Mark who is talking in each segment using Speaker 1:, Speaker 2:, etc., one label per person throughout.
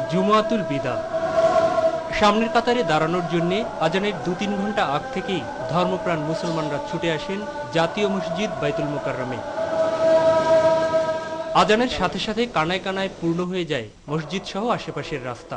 Speaker 1: জুমাতুল বিদা। সামনের কাতারে দাঁড়ানোর জন্য আজানের 2-3 ঘন্টা আগ থেকেই ধর্মপ্রাণ মুসলমানরা ছুটে আসেন জাতীয় মসজিদ বাইতুল মুকাররমে। আজানের সাথে সাথে কানায় কানায় পূর্ণ হয়ে যায় মসজিদ সহ আশেপাশের রাস্তা।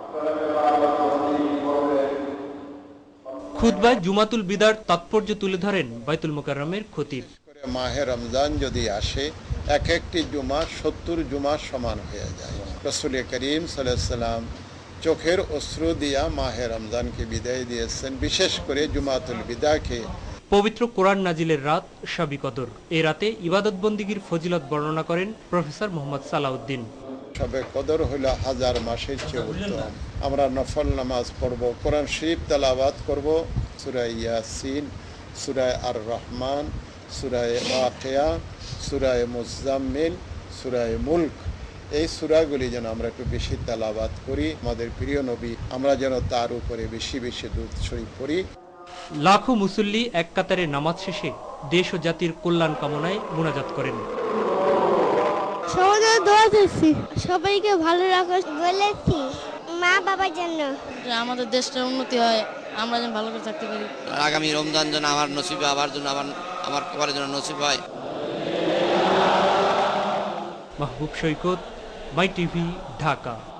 Speaker 1: খুতবায় জুমাতুল বিদার তাৎপর্য তুলে ধরেন বাইতুল মুকাররমের খতিব।
Speaker 2: মাহে রমজান যদি আসে, এক একটি জুমা 70 জুমা সমান হয়ে যায়। রাসূল করিম সাল্লাল্লাহু আলাইহি সাল্লাম চোখের অশ্রু দিয়া মাহে রমজানকে বিদায় দিয়েছেন, বিশেষ করে জুমাতুল বিদাকে।
Speaker 1: পবিত্র কোরআন নাজিলের রাত শবে কদর। এই রাতে ইবাদত বন্দিগির ফজিলত বর্ণনা করেন প্রফেসর মোহাম্মদ সালাউদ্দিন।
Speaker 2: শবে কদর হইল 1000 মাসের চেয়ে উত্তম। আমরা নফল নামাজ পড়ব, কোরআন শরীফ তেলাওয়াত করব, সূরা ইয়াসিন, সূরা আর রহমান, সূরা ওয়াকিয়া, সূরা মুজাম্মিল, সূরা মুলক, এই সূরাগুলি যেন আমরা একটু বেশি তেলাওয়াত করি। আমাদের প্রিয় নবী, আমরা যেন তার উপরে বেশি বেশি দুরূদ শরীফ পড়ি।
Speaker 1: লাখো মুসল্লি এক কাতারে নামাজ শেষে দেশ ও জাতির কল্যাণ কামনায় মুনাজাত করেন।
Speaker 3: সবাইকে ভালো রাখো বলেছি, মা বাবার জন্য
Speaker 4: আমাদের দেশটার উন্নতি হয়, আমরা যেন ভালো করে থাকতে পারি।
Speaker 5: আগামী রমজান যেন আমার নসিবে আবার জন্য আমার কবরের জন্য নসিব হয়।
Speaker 1: Mahbub Saikat, my TV, Dhaka.